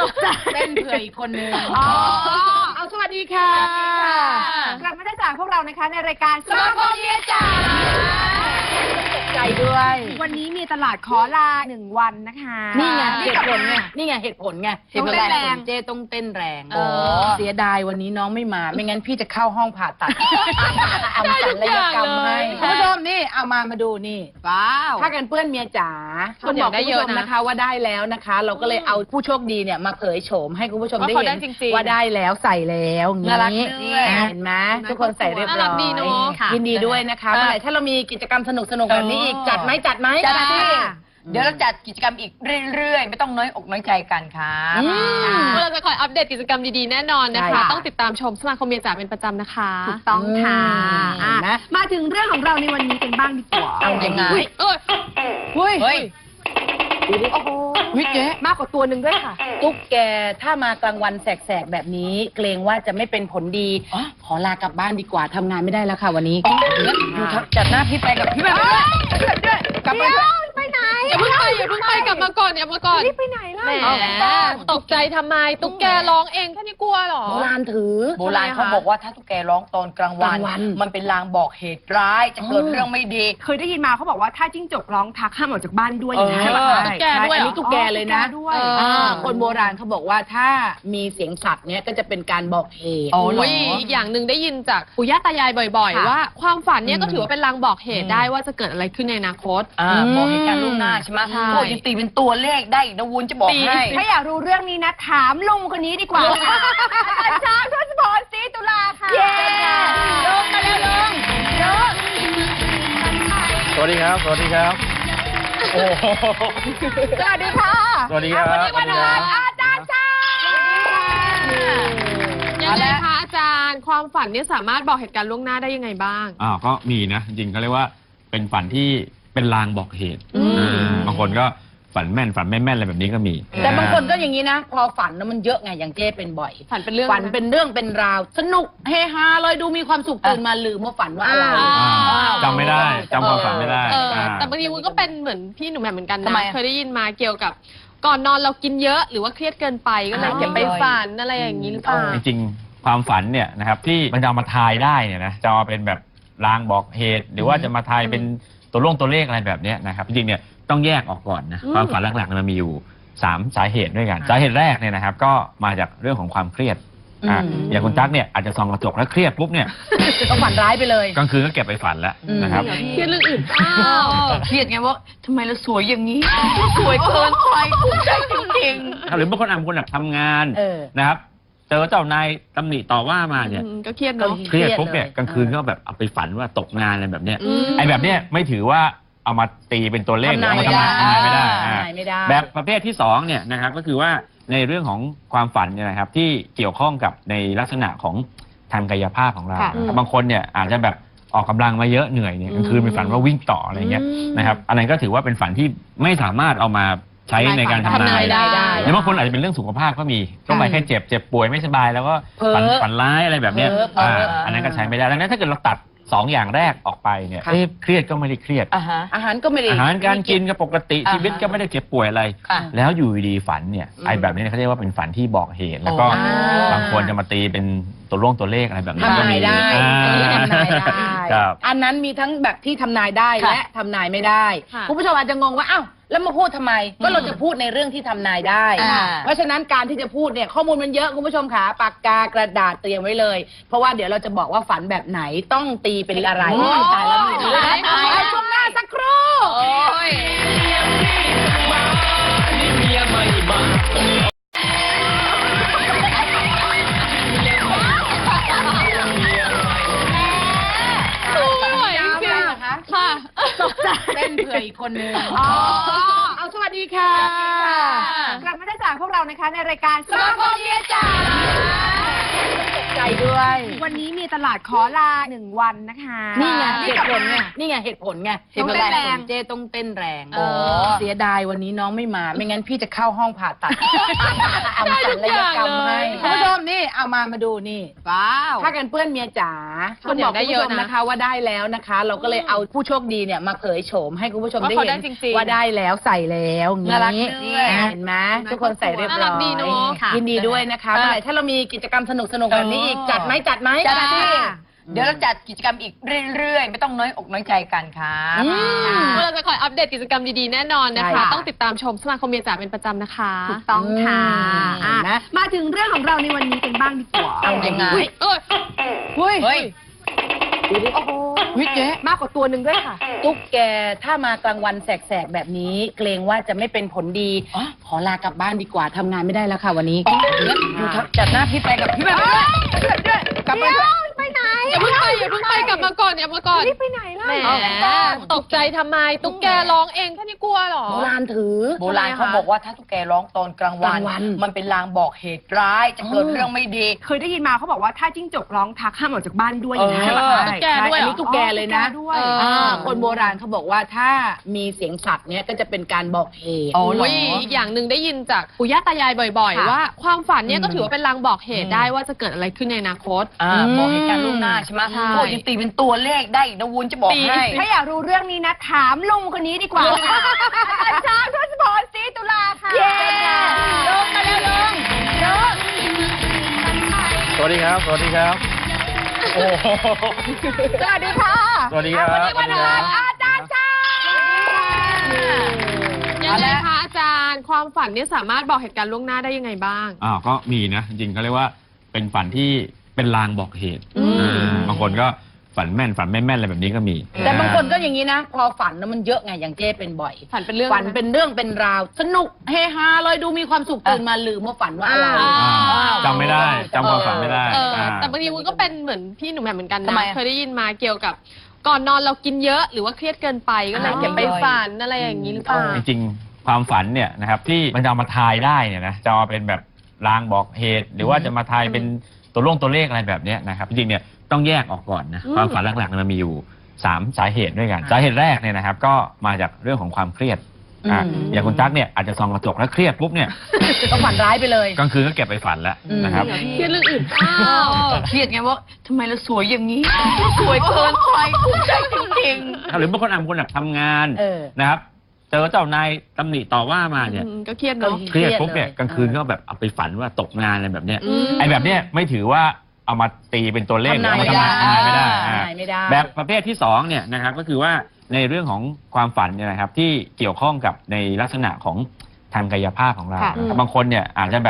เต้นเผื่ออีกคนนึงเอาสวัสดีค่ะกลับมาได้จากพวกเรานะคะในรายการสมาคมเมียจ๋าใจด้วยวันนี้มีตลาดขอลา1 วันนะคะนี่ไงเหตุผลไงนี่ไงเหตุผลไงต้องเต้นแรงเจ้ต้องเต้นแรงเสียดายวันนี้น้องไม่มาไม่งั้นพี่จะเข้าห้องผ่าตัดทำศัลยกรรมให้คุณผู้ชมนี่เอามาดูนี่ว้าวผ้ากันเปื้อนเมียจ๋าคุณบอกคุณผู้ชมนะคะว่าได้แล้วนะคะเราก็เลยเอาผู้โชคดีเนี่ยมาเผยโฉมให้คุณผู้ชมได้เห็นว่าได้แล้วใส่แล้วนี้เห็นไหมทุกคนใส่เรียบร้อยยินดีด้วยนะคะเมื่อไหร่ถ้าเรามีกิจกรรมสนุกแบบนี้อีกจัดไหมจัดที่เดี๋ยวเราจัดกิจกรรมอีกเรื่อยๆไม่ต้องน้อยอกน้อยใจกันค่ะเราจะคอยอัปเดตกิจกรรมดีๆแน่นอนนะคะต้องติดตามชมสมาคมเมียจ๋าเป็นประจำนะคะถูกต้องค่ะมาถึงเรื่องของเราในวันนี้กันบ้างดีกว่าเอายังไงเฮ้ยดูดิโอ้โหวิเจ๊มากกว่าตัวหนึ่งด้วยค่ะตุ๊กแกถ้ามากลางวันแสกๆแบบนี้เกรงว่าจะไม่เป็นผลดีขอลากลับบ้านดีกว่าทำงานไม่ได้แล้วค่ะวันนี้จัดหน้าพี่ไปกับพี่แบบด้วยกลับไปไหนอย่าเพิ่งไปกลับมาก่อนรีบไปไหนล่ะตกใจทำไมตุ๊กแกร้องเองแค่นี้กลัวหรอโบราณถือโบราณเขาบอกว่าถ้าตุ๊กแกร้องตอนกลางวันมันเป็นลางบอกเหตุร้ายจะเกิดเรื่องไม่ดีเคยได้ยินมาเขาบอกว่าถ้าจิ้งจกร้องทักห้ามออกจากบ้านด้วยใช่ไหมตุ๊กแกด้วยอันนี้ตุ๊กแกเลยนะคนโบราณเขาบอกว่าถ้ามีเสียงสัตว์เนี้ยก็จะเป็นการบอกเหตุอีกอย่างหนึ่งได้ยินจากปู่ย่าตายายบ่อยๆว่าความฝันเนี้ยก็ถือว่าเป็นลางบอกเหตุได้ว่าจะเกิดอะไรขึ้นในอนาคตบอกเหตุการณ์ล่วงหน้าใช่ไหมโอ้ยังตีเป็นตัวเลขได้นะวุ้นจะบอกให้ถ้าอยากรู้เรื่องนี้นะถามลุงคนนี้ดีกว่าอาจารย์ทศพร ศรีตุลาค่ะลงมาแล้วลุงสวัสดีครับโอ้สวัสดีค่ะสวัสดีครับวันนี้วันอะไรอาจารย์จ้ายังไงคะอาจารย์ความฝันเนี่ยสามารถบอกเหตุการณ์ล่วงหน้าได้ยังไงบ้างก็มีนะจริงๆก็เรียกว่าเป็นฝันที่เป็นลางบอกเหตุบางคนก็ฝันแม่นฝันไม่แม่นอะไรแบบนี้ก็มีแต่บางคนก็อย่างนี้นะพอฝันแล้วมันเยอะไงอย่างเจ้เป็นบ่อยฝันเป็นเรื่องเป็นราวสนุกเฮฮาเลยดูมีความสุขตื่นมาลืมว่าฝันว่าอะไรจำไม่ได้จำความฝันไม่ได้แต่บางทีมันก็เป็นเหมือนพี่หนุ่มแหม่มเหมือนกันนะเคยได้ยินมาเกี่ยวกับก่อนนอนเรากินเยอะหรือว่าเครียดเกินไปก็เลยเก็บไปฝันอะไรอย่างนี้หรือเปล่าจริงๆความฝันเนี่ยนะครับที่มันจะมาทายได้เนี่ยนะจะมาเป็นแบบลางบอกเหตุหรือว่าจะมาทายเป็นตัวเลขอะไรแบบนี้นะครับจริงๆเนี่ยต้องแยกออกก่อนนะความฝันหลักๆมันมีอยู่3 สาเหตุด้วยกันสาเหตุแรกเนี่ยนะครับก็มาจากเรื่องของความเครียดอย่างคุณตั๊กเนี่ยอาจจะส่องกระจกแล้วเครียดปุ๊บเนี่ยต้องฝันร้ายไปเลยกลางคืนก็เก็บไปฝันแล้วนะครับเครียดเรื่องอื่นเครียดไงว่าทำไมเราสวยอย่างนี้สวยเกินไปภูมิใจจริงๆหรือบางคนทำงานนะครับเจอเจ้านายตำหนิต่อว่ามาเนี่ยก็เครียดเนาะเครียดปุ๊บเนี่ยกลางคืนก็แบบเอาไปฝันว่าตกงานอะไรแบบเนี้ยไอ้แบบเนี้ยไม่ถือว่าเอามาตีเป็นตัวเลขหรือเอามาทำนายไม่ได้แบบประเภทที่2เนี่ยนะครับก็คือว่าในเรื่องของความฝันเนี่ยนะครับที่เกี่ยวข้องกับในลักษณะของทางกายภาพของเราบางคนเนี่ยอาจจะแบบออกกำลังมาเยอะเหนื่อยเนี่ยกลางคืนเป็นฝันว่าวิ่งต่ออะไรเงี้ยนะครับอันนั้นก็ถือว่าเป็นฝันที่ไม่สามารถเอามาใช้ในการทำนายได้หรือบางคนอาจจะเป็นเรื่องสุขภาพก็มีต้องไปแค่เจ็บป่วยไม่สบายแล้วก็ฝันร้ายอะไรแบบนี้อันนั้นก็ใช้ไม่ได้ดังนั้นถ้าเกิดเราตัด2 อย่างแรกออกไปเนี่ยเครียดก็ไม่ได้เครียดอาหารก็ไม่ได้อาหารการกินก็ปกติชีวิตก็ไม่ได้เจ็บป่วยอะไรแล้วอยู่ดีฝันเนี่ยไอ้แบบนี้เขาเรียกว่าเป็นฝันที่บอกเหตุแล้วก็บางคนจะมาตีเป็นตัวเลขอะไรแบบนี้ก็มีได้อันนั้นมีทั้งแบบที่ทำนายได้และทำนายไม่ได้คุณผู้ชมอาจจะงงว่าอ้าวแล้วมาพูดทำไมก็เราจะพูดในเรื่องที่ทำนายได้เพราะฉะนั้นการที่จะพูดเนี่ยข้อมูลมันเยอะคุณผู้ชมขาปากกากระดาษเตรียมไว้เลยเพราะว่าเดี๋ยวเราจะบอกว่าฝันแบบไหนต้องตีเป็นอะไรตายแล้วมีช่วงหน้าสักครู่เต้นเผื่ออีกคนนึงเอาสวัสดีค่ะกลับมาได้จากพวกเรานะคะในรายการสมาคมเมียจ๋าใจด้วยวันนี้มีมีตลาดขอลา1 วันนะคะนี่ไงนี่เหตุกับผลไงนี่ไงเหตุผลไงต้องเต้นแรงเจ้ต้องเต้นแรงโอ้เสียดายวันนี้น้องไม่มา ไม่งั้นพี่จะเข้าห้องผ่าตัดทำศัลยกรรมให้คุณผู้ชมนี่เอามาดูนี่ว้าวผ้ากันเปื้อนเมียจ๋าเขาคุณบอกได้คุณเยผู้ชอะมนะนะคะว่าได้แล้วนะคะ เราก็เลยเอาผู้โชคดีเนี่ยมาเผยโฉมให้คุณผู้ชมว่าได้เขาเห็ได้นจริงๆว่าได้แล้วใส่แล้วอย่างน่ารักนี้ด้วยเห็นไหมทุกคนใส่เรียบน่าร้รัอกดียเนอะยินดีด้วยนะคะเมื่อไหร่ถ้าเรามีกิจกรรมสนุกๆแบบนี้อีกจัดไหมจัดสิเดี๋ยวเราจัดกิจกรรมอีกเรื่อยๆ ไม่ต้องน้อยอกน้อยใจกันครับเราจะคอยอัปเดตกิจกรรมดีๆแน่นอนนะใช่คะค่ะต้องติดตามชมสมาคมเมียจ๋าเป็นประจำนะคะถูกต้องค่ะอืมนะมาถึงเรื่องของเราในวันนี้กันบ้างดีกว่าเอายังไงเอ้ยเฮ้ยเฮ้ยดูดิโอ้โหวิเจ๊มากกว่าตัวหนึ่งด้วยค่ะตุ๊กแกถ้ามากลางวันแสกๆแบบนี้ เกรงว่าจะไม่เป็นผลดี ขอลากลับบ้านดีกว่าทำงานไม่ได้แล้วค่ะวันนี้อยู่จัดหน้าพี่ไปกับพี่แบบด้วยกลับมาด้วยไปไหนอย่าเพิ่งไปกลับมาก่อนรีบไปไหนล่ะแหมตกใจทำไมตุ๊กแกร้องเองแค่นี้กลัวเหรอโบราณถือโบราณเขาบอกว่าถ้าตุ๊กแกร้องตอนกลางวันกลางวันมันเป็นลางบอกเหตุร้ายจะเกิดเรื่องไม่ดีเคยได้ยินมาเขาบอกว่าถ้าจิ้งจกร้องทักห้ามออกจากบ้านด้วยเออใช่ไหมคะตุ๊กแกด้วยเหรออันนี้ตุ๊กแกเลยนะตุ๊กแกด้วยคนโบราณเขาบอกว่าถ้ามีเสียงสัตว์เนี้ยก็จะเป็นการบอกเหตุอ๋อเหรโอ้ยอีกอย่างหนึ่งได้ยินจากปู่ย่าตายายบ่อยค่ะๆ ว่าความฝันเนี่ยก็ถือว่าเป็นลางบอกเหตุได้ว่าจะเกิดอะไรขึ้นในอนาคตบอกเหตุการณ์ล่วงหน้าใช่ไหมใช่พวกยังตีเป็นตัวเลขได้อีกนะวุ้นจะบอกให้ถ้าอยากรู้เรื่องนี้นะ ถามลุงคนนี้ดีกว่าค่ะอาจารย์ช้างทศพรศรีตุลาค่ะเย้ลุงมาแล้วลุงสวัสดีครับ สวัสดีครับ โอ้โหสวัสดีค่ะสวัสดีครับวันนี้วันอะไรอาจารย์ช้างยังไงคะอาจารย์ความฝันเนี่ยสามารถบอกเหตุการณ์ล่วงหน้าได้ยังไงบ้างก็มีนะ จริงๆเขาเรียกว่าเป็นฝันที่เป็นลางบอกเหตุอืมบางคนก็ฝันแม่นฝันไม่แม่นอะไรแบบนี้ก็มีแต่บางคนก็อย่างนี้นะ พอฝันนะมันเยอะไงอย่างเจ้เป็นบ่อยฝันเป็นเรื่องฝันเป็นเรื่องเป็นราว สนุกเฮฮาเลยดูมีความสุขตื่นมาลืมว่าฝันว่าอะไรจำไม่ได้จำความฝันไม่ได้แต่บางทีมันก็เป็นเหมือนพี่หนูแหม่มเหมือนกันทำไมนะอะเคยได้ยินมาเกี่ยวกับก่อนนอนเรากินเยอะหรือว่าเครียดเกินไปก็เลยอ๋อเก็บไปฝันอะไรอย่างนี้หรือเปล่าจริงๆความฝันเนี่ยนะครับที่มันจะเอามาทายได้เนี่ยนะจะเอาเป็นแบบลางบอกเหตุ หรือว่าจะมาทายเป็นตัวเลขอะไรแบบเนี้ยนะครับจริงๆเนี่ยต้องแยกออกก่อนนะอืมความฝันหลักๆมันมีอยู่3 สาเหตุด้วยกัน สาเหตุแรกเนี่ยนะครับก็มาจากเรื่องของความเครียดอย่างคุณตั๊กเนี่ยอาจจะส่องกระจกแล้วเครียดปุ๊บเนี่ยก็ฝันร้ายไปเลยกลางคืนก็เก็บไปฝันแล้วนะครับเครียดเรื่องอื่นเปล่าเครียดไงว่าทำไมเราสวยอย่างนี้เราสวยเกินไปภูมิใจจริงหรือบางคนแบบทำงานเออนะครับเจอเจ้านายตำหนิต่อว่ามาเนี่ยก็เครียดเนาะเครียดปุ๊บเนี่ยเครียดเลยกลางคืนก็แบบเอาไปฝันว่าตกงานอะไรแบบเนี้ยอืมไอ้แบบเนี้ยไม่ถือว่าเอามาตีเป็นตัวเลขหรือเอามาทำนายไม่ได้ทำนายไม่ได้แบบประเภทที่2เนี่ยนะครับก็คือว่าในเรื่องของความฝันเนี่ยนะครับที่เกี่ยวข้องกับในลักษณะของทางกายภาพของเราค่ะนะครับบางคนเนี่ยอาจจะแบบ